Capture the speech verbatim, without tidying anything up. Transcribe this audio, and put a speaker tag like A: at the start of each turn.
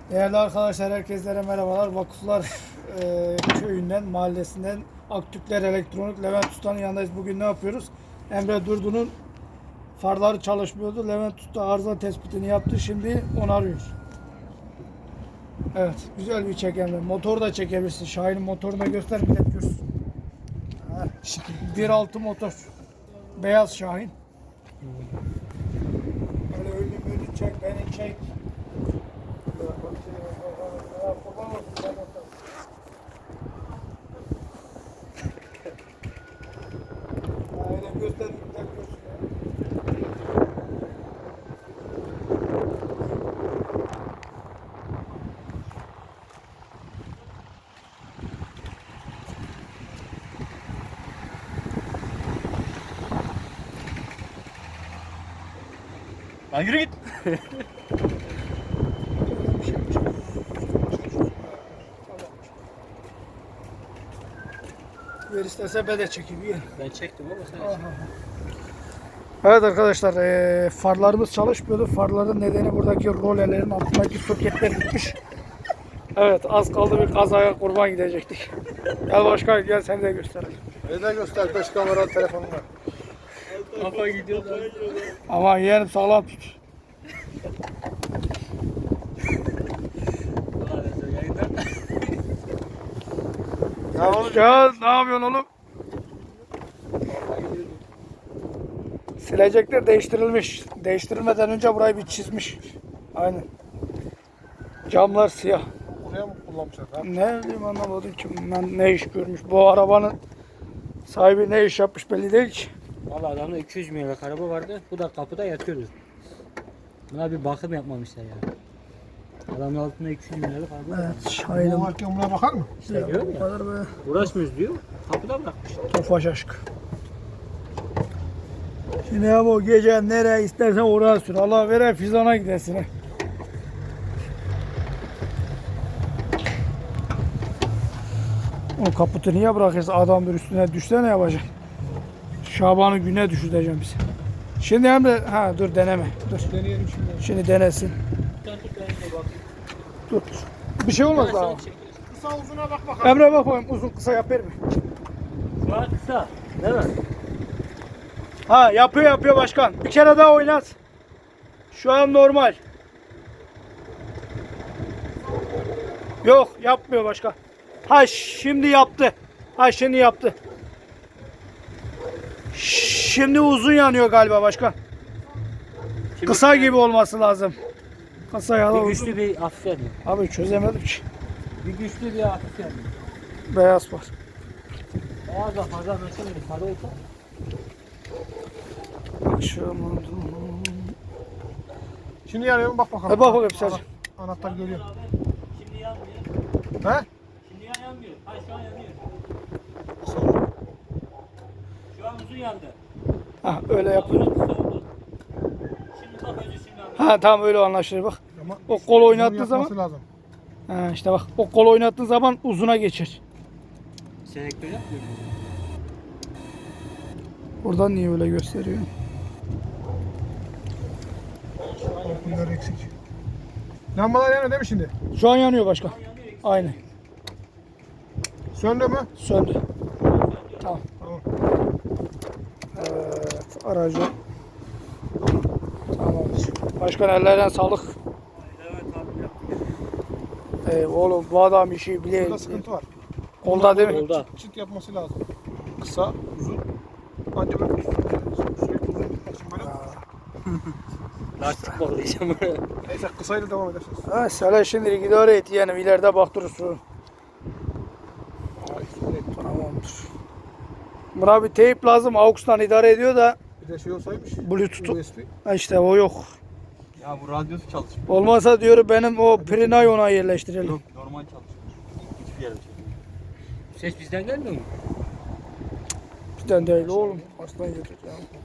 A: Değerli arkadaşlar, herkese merhabalar. Vakıflar e, köyünden, mahallesinden Aktükler Elektronik Levent Usta'nın yanındayız. Bugün ne yapıyoruz? Emre Durdu'nun farları çalışmıyordu. Levent Usta arıza tespitini yaptı. Şimdi onarıyor. Evet, güzel bir çek Emre. Motoru da çekebilirsin. Şahin'in motorunu da göster, millet görsün. bir nokta altı motor. Beyaz Şahin. Öyle önünü önünü çek, beni çek. Aynen göster, millet görsün.
B: Lan yürü git.
A: Ver istese ben de çekeyim. Yiyin.
B: Ben çektim ama sen
A: Aha. Evet arkadaşlar, e, farlarımız çalışmıyordu. Farların nedeni buradaki rolelerin altındaki soketler gitmiş. Evet, az kaldı bir kazaya kurban gidecektik. Gel başkan, gel seni de gösterelim.
C: Neden göster? Beş kameralı telefonum var.
B: kafa gidiyor da.
A: Aman yeğenim, sağlam tut.
C: Ya oğlum,
A: Ya ne yapıyorsun oğlum? Silecekler değiştirilmiş. Değiştirilmeden önce burayı bir çizmiş. Aynen. Camlar siyah.
C: buraya mı kullanmışlar? Ha?
A: Ne bileyim, anlamadım ki bundan ne iş görmüş. Bu arabanın sahibi ne iş yapmış belli değil ki.
B: Valla adamda iki yüz milyonluk araba vardı. Bu da kapıda yatıyordu. Buna bir bakım yapmamışlar ya. Adamın altında iki yüz milyonluk araba var.
A: Evet,
C: Bu
A: Şahin'im.
C: varken buna bakar mı?
B: İşte diyorum
A: Bu
B: ya.
A: kadar be.
B: Uğraşmıyoruz diyor. Kapıda bırakmış.
A: Tofaş aşk. Şimdi ya bu gece nereye istersen oraya sür. Allah vere fizana gidesin. he. O kaputu niye bırakırsın? Adam bir üstüne düşse ne yapacak? Şaban'ı güne düşüreceğim bizi. Şimdi Emre, ha dur deneme. Dur.
C: Deneyelim şimdi.
A: Şimdi denesin.
B: Sen tut ben de bakayım.
A: Dur. Bir şey olmaz
B: Ben
A: daha.
B: sana çekeyim.
C: Kısa uzuna bak bakalım.
A: Emre bak bakayım, uzun kısa yapar mı?
B: Şu an kısa. Değil mi?
A: Ha, yapıyor yapıyor başkan. Bir kere daha oynat. Şu an normal. Yok, yapmıyor başkan. Ha, şimdi yaptı. Ha, şimdi yaptı. Şimdi uzun yanıyor galiba başkan.
B: Şimdi
A: Kısa gibi olması lazım. Kısa ya da
B: Bir
A: uzun.
B: güçlü bir hafif yanıyor.
A: Abi çözemedim ki.
B: Bir güçlü bir hafif yanıyor.
A: Beyaz var.
B: Beyaz da fazla mesela sarı olsa.
A: Akşam.
C: Şimdi yanıyor mu? Bak bakalım.
A: E bak bakayım sadece.
C: Ana- Anahtar görüyor.
B: Şimdi yanmıyor.
C: He?
B: Şimdi yan yanmıyor. Hayır şu an yanıyor. Şu an uzun yandı.
A: Ha, öyle yapıyor.
B: Şimdi bak önce şimdi yanıyor.
A: Ha, tamam, öyle anlaşılır bak.
C: Ama
A: O kol oynattığı
C: bunu
A: zaman.
C: yapması lazım.
A: Ha, işte bak, o kol oynattığın zaman uzuna geçer.
B: Selektör yapmıyor mu?
A: Buradan niye öyle gösteriyor?
C: Bunlar eksik. Lambalar yanıyor değil mi şimdi?
A: Şu an yanıyor başkan. Aynen.
C: Söndü mü?
A: Söndü. Tamam.
C: Tamam.
A: Evet, aracı. Tamamdır. Başkan, ellerine sağlık.
B: Evet abi yaptım.
A: Ey oğlum, bu adam işi
C: Burada
A: bile.
C: sıkıntı var.
A: Kolda değil mi?
B: Kolda.
C: Çıt, çıt yapması lazım. Kısa, uzun. Anca böyle sürekli uzun gitmek için böyle.
B: Lastik bağlayacağım.
C: Neyse kısayla devam edersiniz.
A: Ha, söyle şimdilik idare et yani, ileride baktırırsın. Tamamdır. Buna bir teyp lazım. AUX'tan idare ediyor da
C: Bir de şey olsaymış.
A: Bluetooth.
C: U S B.
A: Ha, işte o yok.
D: Ya bu radyosu çalışmıyor.
A: Olmazsa diyorum benim o Prinay ona yerleştirelim.
D: Yok normal çalışmıyor. Hiçbir yerde çalışmıyor.
B: Ses bizden gelmiyor mu?
A: Bizden değil oğlum. Aslan yedik ya.